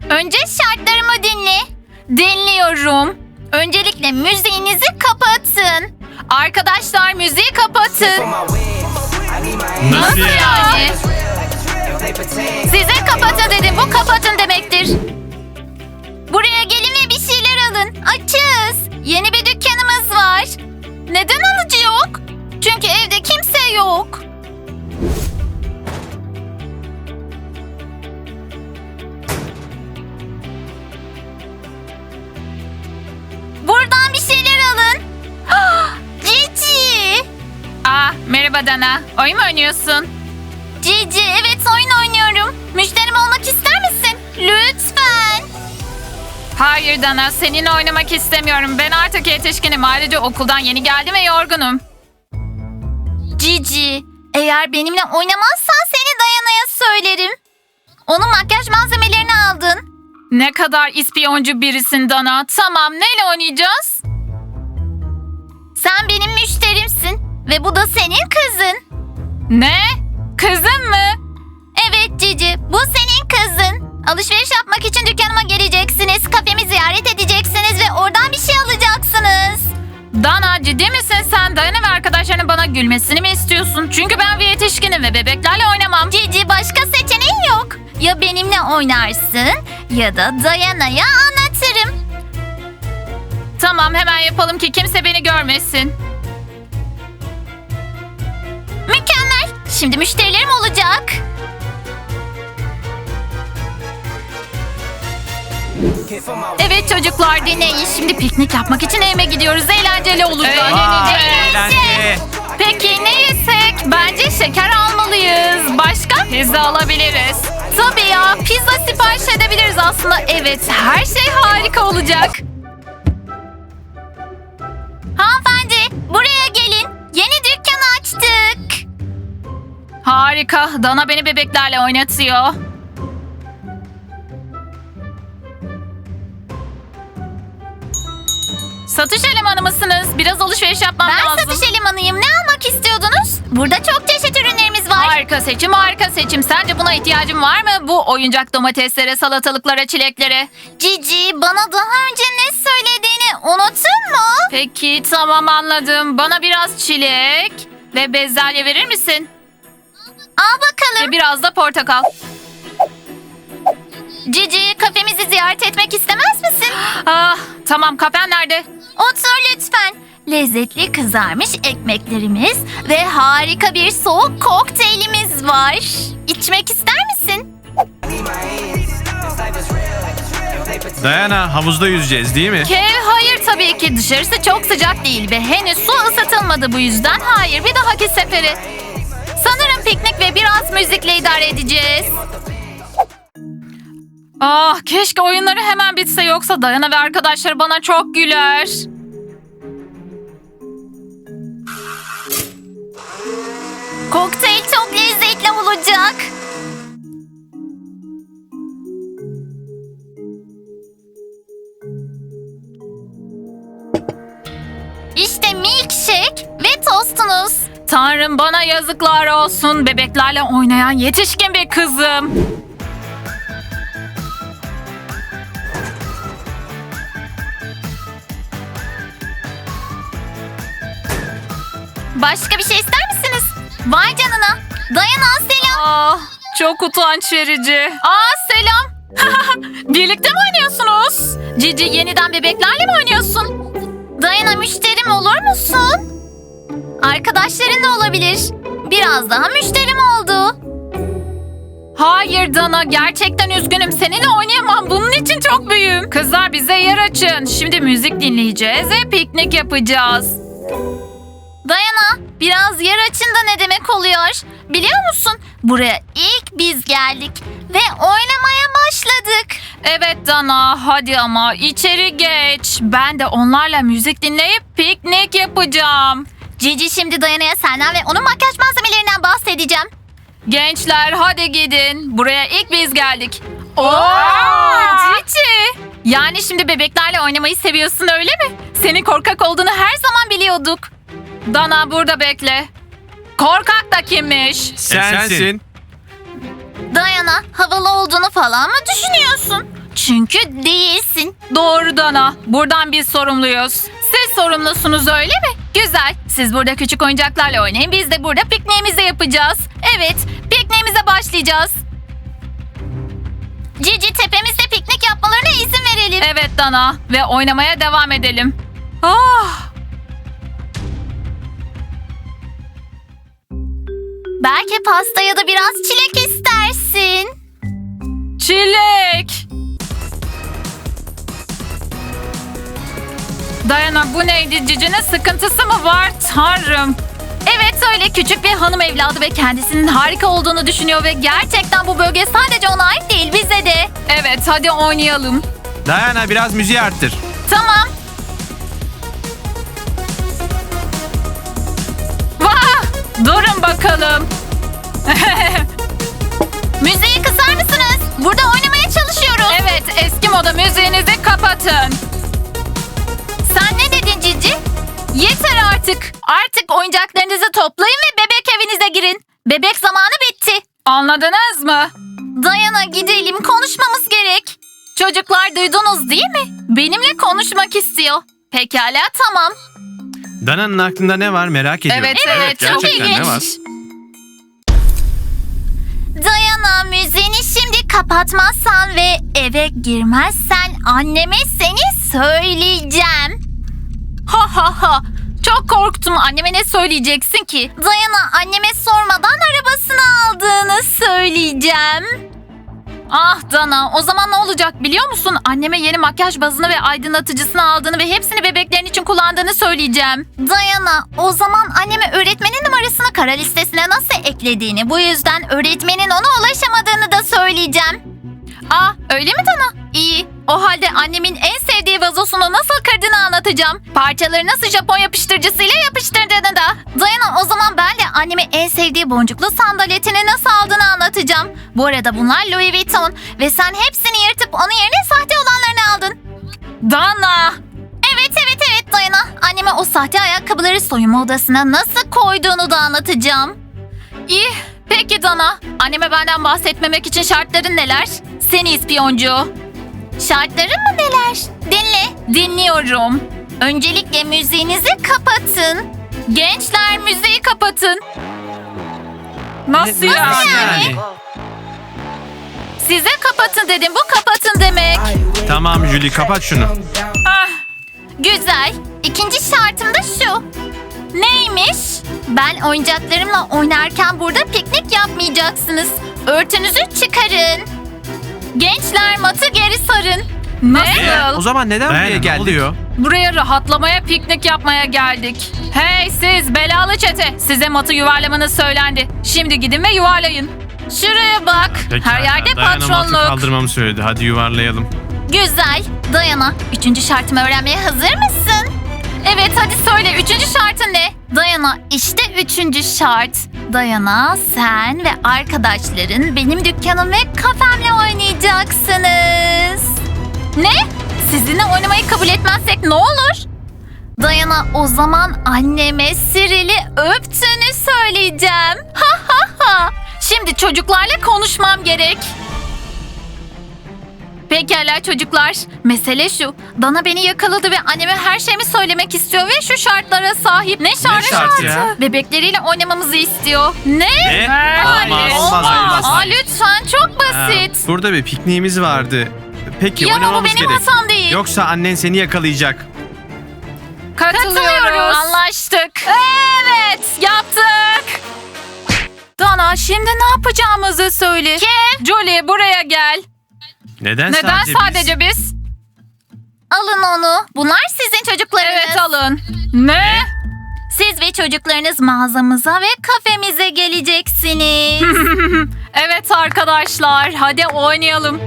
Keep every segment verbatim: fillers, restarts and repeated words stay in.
Önce şartlarımı dinle. Dinliyorum. Öncelikle müziğinizi kapatın. Arkadaşlar müziği kapatın. Nasıl ya? Yani? Size kapatın dedim. Bu kapatın demektir. Buraya gelin ve bir şeyler alın. Açız. Yeni bir dükkanımız var. Neden alıcı yok? Çünkü evde kimse yok. Buradan bir şeyler alın. Cici. Aa, merhaba Dana. Oyun mu oynuyorsun? Cici, evet oyun oynuyorum. Müşterim olmak ister misin? Lütfen. Hayır Dana, seninle oynamak istemiyorum. Ben artık yetişkinim. Ayrıca okuldan yeni geldim ve yorgunum. Cici, eğer benimle oynamazsan seni Dayana'ya söylerim. Onun makyaj malzemelerini aldın. Ne kadar ispiyoncu birisin Dana. Tamam, neyle oynayacağız? Sen benim müşterimsin ve bu da senin kızın. Ne? Kızım mı? Evet Cici, bu senin kızın. Alışveriş yapmak için dükkanıma geleceksiniz, kafemi ziyaret edeceksiniz ve oradan bir şey alacaksınız. Dana, ciddi misin sen? Dayana ve arkadaşlarının bana gülmesini mi istiyorsun? Çünkü ben bir yetişkinim ve bebeklerle oynamam. Cici, başka seçeneğin yok. Ya benimle oynarsın ya da Dayana'ya anlatırım. Tamam, hemen yapalım ki kimse beni görmesin. Mükemmel. Şimdi müşterilerim olacak. Evet çocuklar, dinleyin. Şimdi piknik yapmak için evime gidiyoruz. Eğlenceli olacak. Eğlenceli. Peki ne yesek? Bence şeker almalıyız. Başka? Pizza alabiliriz. Tabii ya, pizza sipariş edebiliriz aslında. Evet, her şey harika olacak. Hanımefendi, buraya gelin. Yeni dükkan açtık. Harika. Dana beni bebeklerle oynatıyor. Satış elemanı mısınız? Biraz alışveriş yapmam Ben lazım. satış elemanıyım. Ne almak istiyordunuz? Burada çok çeşit ürünlerimiz var. Harika seçim, harika seçim. Sence buna ihtiyacın var mı? Bu oyuncak domateslere, salatalıklara, çileklere. Cici, bana daha önce ne söylediğini unuttun mu? Peki tamam, anladım. Bana biraz çilek ve bezelye verir misin? Al bakalım. Ve biraz da portakal. Cici, kafemizi ziyaret etmek istemez misin? Ah, tamam, kafen nerede? Otur lütfen. Lezzetli kızarmış ekmeklerimiz ve harika bir soğuk kokteylimiz var. İçmek ister misin? Dayana, havuzda yüzeceğiz değil mi? Kev, hayır tabii ki. Dışarısı çok sıcak değil ve henüz su ısıtılmadı, bu yüzden hayır. Bir dahaki sefere. Sanırım piknik ve biraz müzikle idare edeceğiz. Ah, keşke oyunları hemen bitse, yoksa Dayana ve arkadaşları bana çok güler. Kokteyl çok lezzetli olacak. İşte milkshake ve tostunuz. Tanrım, bana yazıklar olsun. Bebeklerle oynayan yetişkin bir kızım. Başka bir şey ister misiniz? Vay canına. Dayana, selam. Ah, çok utanç verici. Aa, selam. Birlikte mi oynuyorsunuz? Cici, yeniden bebeklerle mi oynuyorsun? Dayana, müşterim olur musun? Arkadaşların da olabilir. Biraz daha müşterim oldu. Hayır Dana, gerçekten üzgünüm. Seninle oynayamam. Bunun için çok büyüğüm. Kızlar, bize yer açın. Şimdi müzik dinleyeceğiz ve piknik yapacağız. Dayana, biraz yer açın da ne demek oluyor? Biliyor musun? Buraya ilk biz geldik ve oynamaya başladık. Evet Dana, hadi ama içeri geç. Ben de onlarla müzik dinleyip piknik yapacağım. Cici, şimdi Dayana'ya senden ve onun makyaj malzemelerinden bahsedeceğim. Gençler, hadi gidin. Buraya ilk biz geldik. Oo, Cici. Yani şimdi bebeklerle oynamayı seviyorsun, öyle mi? Senin korkak olduğunu her zaman biliyorduk. Dana, burada bekle. Korkak da kimmiş? Sensin. Dayana, havalı olduğunu falan mı düşünüyorsun? Çünkü değilsin. Doğru Dana. Buradan biz sorumluyuz. Siz sorumlusunuz öyle mi? Güzel. Siz burada küçük oyuncaklarla oynayın. Biz de burada pikniğimizi yapacağız. Evet, pikniğimize başlayacağız. Cici, tepemizde piknik yapmalarına izin verelim. Evet Dana ve oynamaya devam edelim. Ah, Belki pasta ya da biraz çilek istersin. çilek. Dayana bu neydi? Cici'nin sıkıntısı mı var? Tanrım. Evet, öyle küçük bir hanım evladı ve kendisinin harika olduğunu düşünüyor ve gerçekten bu bölge sadece ona ait değil, bize de. Evet hadi oynayalım. Dayana biraz müziği arttır. Tamam. Vah! Durun bakalım. Müziği kısar mısınız? Burada oynamaya çalışıyoruz. Evet eski moda müziğinizi kapatın. Sen ne dedin Cici? Yeter artık. Artık oyuncaklarınızı toplayın ve bebek evinize girin. Bebek zamanı bitti. Anladınız mı? Dayana, gidelim, konuşmamız gerek. Çocuklar, duydunuz değil mi? Benimle konuşmak istiyor. Pekala, tamam. Dana'nın aklında ne var merak ediyorum. Evet, evet, çok gerçekten ilginç. ne var? Dayana, müziğini şimdi kapatmazsan ve eve girmezsen anneme seni söyleyeceğim. Ha ha ha. Çok korktum. Anneme ne söyleyeceksin ki? Dayana, anneme sormadan arabasını aldığını söyleyeceğim. Ah Dana, o zaman ne olacak biliyor musun? Anneme yeni makyaj bazını ve aydınlatıcısını aldığını ve hepsini bebeklerin için kullandığını söyleyeceğim. Dayana, o zaman anneme öğretmenin numarasını kara listesine nasıl eklediğini, bu yüzden öğretmenin ona ulaşamadığını da söyleyeceğim. Ah öyle mi Dana? İyi. O halde annemin en sevdiği vazosunu nasıl kırdığını anlatacağım. Parçaları nasıl Japon yapıştırıcısıyla yapıştırdığını da. Dayana, o zaman ben de anneme en sevdiği boncuklu sandaletini nasıl aldığını anlatacağım. Bu arada bunlar Louis Vuitton ve sen hepsini yırtıp onun yerine sahte olanlarını aldın. Dana! Evet evet evet Dayana, anneme o sahte ayakkabıları soyunma odasına nasıl koyduğunu da anlatacağım. İyi. Peki Dana. Anneme benden bahsetmemek için şartların neler? Seni ispiyoncu. Şartların mı neler? Dinle. Dinliyorum. Öncelikle müziğinizi kapatın. Gençler müziği kapatın. Nasıl Ne- ya? nasıl yani? Size kapatın dedim. Bu kapatın demek. Tamam Julie, kapat şunu. Ah, Güzel. İkinci şartım da şu. Neymiş? Ben oyuncaklarımla oynarken burada piknik yapmayacaksınız. Örtünüzü çıkarın. Gençler, matı geri sarın. nasıl? E, o zaman neden Dayana, buraya ne geldik? oluyor? Buraya rahatlamaya, piknik yapmaya geldik. Hey siz belalı çete. Size matı yuvarlamanız söylendi. Şimdi gidin ve yuvarlayın. Şuraya bak. Pekala, Her yerde Dayana matı patronluk. kaldırmamı söyledi. Hadi yuvarlayalım. Güzel. Dayana, üçüncü şartımı öğrenmeye hazır mısın? Evet hadi söyle. Üçüncü şartın ne? Dayana, işte üçüncü şart. Dayana, sen ve arkadaşların benim dükkanım ve kafemle oynayacaksınız. Ne? Sizinle oynamayı kabul etmezsek ne olur? Dayana, o zaman anneme Siril'i öptüğünü söyleyeceğim. Ha ha ha. Şimdi çocuklarla konuşmam gerek. Pekala çocuklar. Mesele şu. Dana beni yakaladı ve anneme her şeyimi söylemek istiyor ve şu şartlara sahip. Ne şartı? şartı ya? Bebekleriyle oynamamızı istiyor. Ne? Ne? Hayır. Olmaz, olmaz, olmaz. Aa, lütfen çok Ha, basit. burada bir pikniğimiz vardı. Peki Ya ama bu oynamamız benim gerek. hatam değil. Yoksa annen seni yakalayacak. Katılıyoruz. Anlaştık. Evet yaptık. Dana şimdi ne yapacağımızı söyle. Kim? Julie buraya gel. Neden, Neden sadece, sadece biz? biz? Alın onu. Bunlar sizin çocuklarınız. Evet alın. Ne? Siz ve çocuklarınız mağazamıza ve kafemize geleceksiniz. Evet arkadaşlar hadi oynayalım.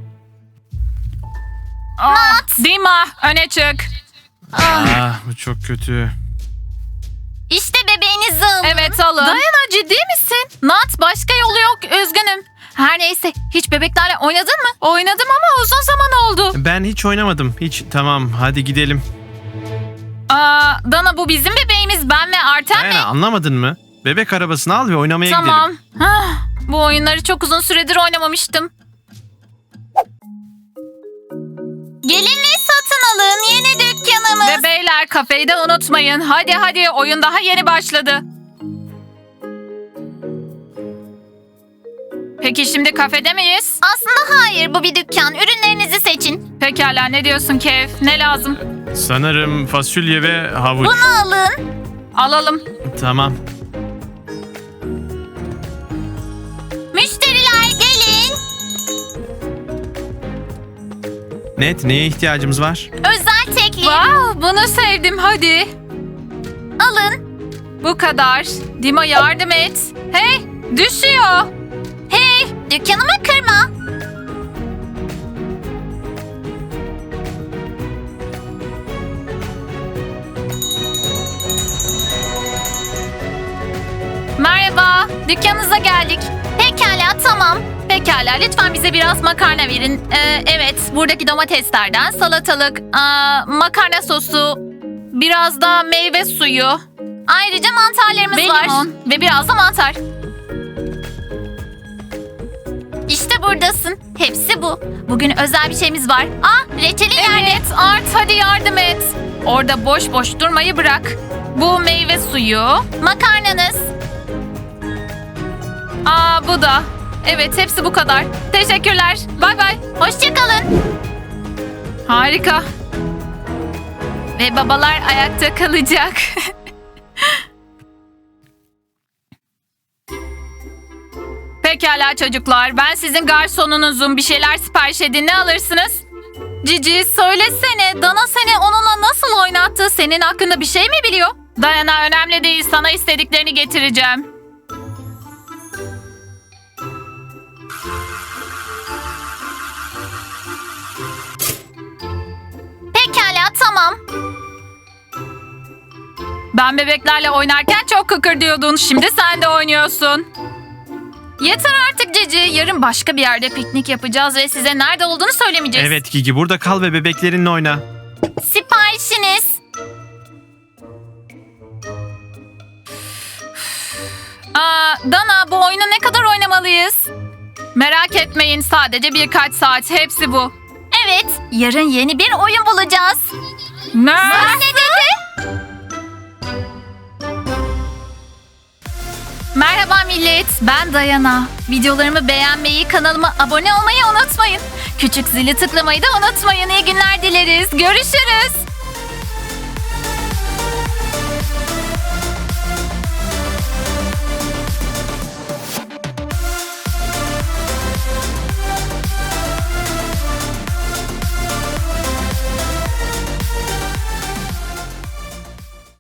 Nat. Dima öne çık. Ah, bu çok kötü. İşte bebeğinizi alın. Evet alın. Dayana ciddi misin? Nat başka yolu yok üzgünüm. Her neyse hiç bebeklerle oynadın mı? Oynadım ama uzun zaman oldu. Ben hiç oynamadım. Hiç. Tamam, hadi gidelim. Aa, Dana bu bizim bebeğimiz ben ve Artem mi? Dayana, anlamadın mı? Bebek arabasını al ve oynamaya Tamam. gidelim. Ah, bu oyunları çok uzun süredir oynamamıştım. Gelin ve satın alın yeni dükkanımız. Ve beyler kafeyi de unutmayın. Hadi hadi oyun daha yeni başladı. Peki şimdi kafede miyiz? Aslında hayır, bu bir dükkan. Ürünlerinizi seçin. Pekala, ne diyorsun Kev? Ne lazım? Sanırım fasulye ve havuç. Bunu alın. Alalım. Tamam. Müşteriler gelin. Net, neye ihtiyacımız var? Özel teklif. Wow, bunu sevdim, hadi. Alın. Bu kadar. Dima yardım et. Hey, düşüyor. Hey, dükkanımı kırma. Merhaba, dükkanınıza geldik. Pekala, tamam. Pekala, lütfen bize biraz makarna verin. Ee, evet, buradaki domateslerden salatalık, aa, makarna sosu, biraz da meyve suyu Ayrıca mantarlarımız ve var. limon ve biraz da mantar. İşte buradasın. Hepsi bu. Bugün özel bir şeyimiz var. Ah, reçeli nerede? Evet, Art hadi yardım et. Orada boş boş durmayı bırak. Bu meyve suyu. Makarnanız. Aa, bu da. Evet, hepsi bu kadar. Teşekkürler. Bay bay. Hoşçakalın. Harika. Ve babalar ayakta kalacak. Pekala çocuklar. Ben sizin garsonunuzum. Bir şeyler sipariş edin. Ne alırsınız? Cici söylesene. Dana seni onunla nasıl oynattı? Senin hakkında bir şey mi biliyor? Dayana, önemli değil. Sana istediklerini getireceğim. Pekala, tamam. Ben bebeklerle oynarken çok kıkırdıyordun. Şimdi sen de oynuyorsun. Yeter artık Cici. Yarın başka bir yerde piknik yapacağız ve size nerede olduğunu söylemeyeceğiz. Evet Gigi, burada kal ve bebeklerinle oyna. Siparişiniz. Aa, Dana, bu oyunu ne kadar oynamalıyız? Merak etmeyin, sadece birkaç saat. Hepsi bu. Evet, yarın yeni bir oyun bulacağız. Ne? Ne dedi? Merhaba millet, ben Dayana. Videolarımı beğenmeyi, kanalıma abone olmayı unutmayın. Küçük zili tıklamayı da unutmayın. İyi günler dileriz. Görüşürüz.